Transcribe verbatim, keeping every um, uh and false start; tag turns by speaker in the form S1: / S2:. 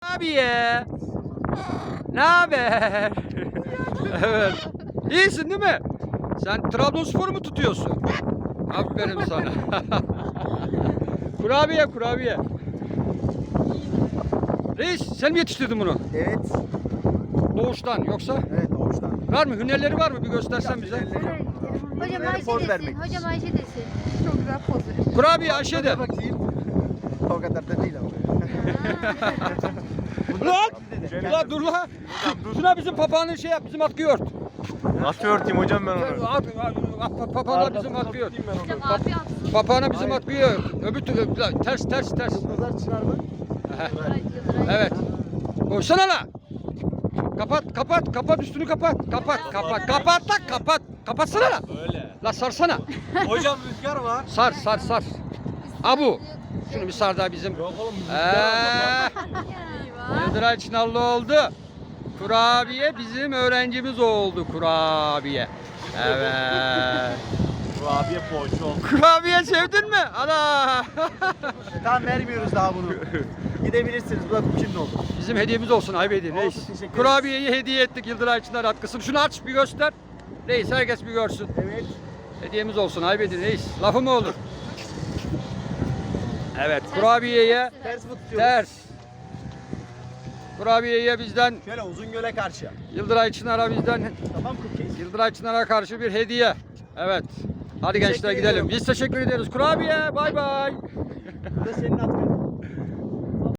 S1: Kurabiye. Ne haber? Evet. İyisin değil mi? Sen Trabzonspor'u mu tutuyorsun? Aferin sana. Kurabiye, kurabiye. Reis, sen mi yetiştirdin bunu?
S2: Evet.
S1: Doğuştan yoksa?
S2: Evet doğuştan.
S1: Var mı? Hünerleri var mı? Bir göstersen bize.
S3: Hocam
S2: Bunları
S3: Ayşe
S2: poz
S3: desin.
S2: vermek.
S3: Hocam Ayşe desin. Çok güzel poz verir.
S1: Kurabiye Ayşe de.
S2: Bakayım. O kadar da değil ama.
S1: Ulan! Ulan dur lan! Şuna bizim papağanın şey yap, bizim atkıyı ört.
S4: Nasıl örteyim hocam ben onu?
S1: At, at, at, papağana bizim atkıyı ört.
S3: Hocam abi atsın.
S1: Papağana bizim atkıyı ört. Öbür türlü ters ters ters.
S2: Yıldızlar çınar mı?
S1: Evet. Koysana la. Kapat, kapat, kapat üstünü kapat. Kapat, kapat, kapat lan, kapat. Kapatsana la.
S4: Böyle.
S1: La sarsana.
S4: Hocam rüzgar var.
S1: Sar, sar, sar. Abu. Şunu bir sar daha bizim.
S4: Yok oğlum
S1: Eee. Yıldıray Çınarlı oldu. Kurabiye bizim öğrencimiz oldu kurabiye. Evet.
S4: Kurabiye poğaça oldu.
S1: Kurabiye sevdin mi? Ana.
S2: Tamam vermiyoruz daha bunu. Gidebilirsiniz. Bu da kimin oldu?
S1: Bizim hediyemiz olsun Aybedi Reis.
S2: Olsun, teşekkür ederiz.
S1: Kurabiyeyi hediye ettik Yıldıray Çınar atkısını. Şunu aç bir göster. Reis herkes bir görsün.
S2: Evet.
S1: Hediyemiz olsun Aybedi Reis. Lafı mı olur? Evet kurabiyeye
S2: Ters mi tutuyoruz?
S1: ters. Kurabiyeye bizden
S2: Şöyle uzun göle karşı.
S1: Yıldıray Çınar'a bizden
S2: Tamam cookies.
S1: Yıldıray Çınar'a karşı bir hediye. Evet. Hadi
S2: Teşekkür
S1: gençler gidelim.
S2: ediyorum.
S1: Biz teşekkür ederiz. Kurabiye bay bay.
S2: Bu da senin atkın.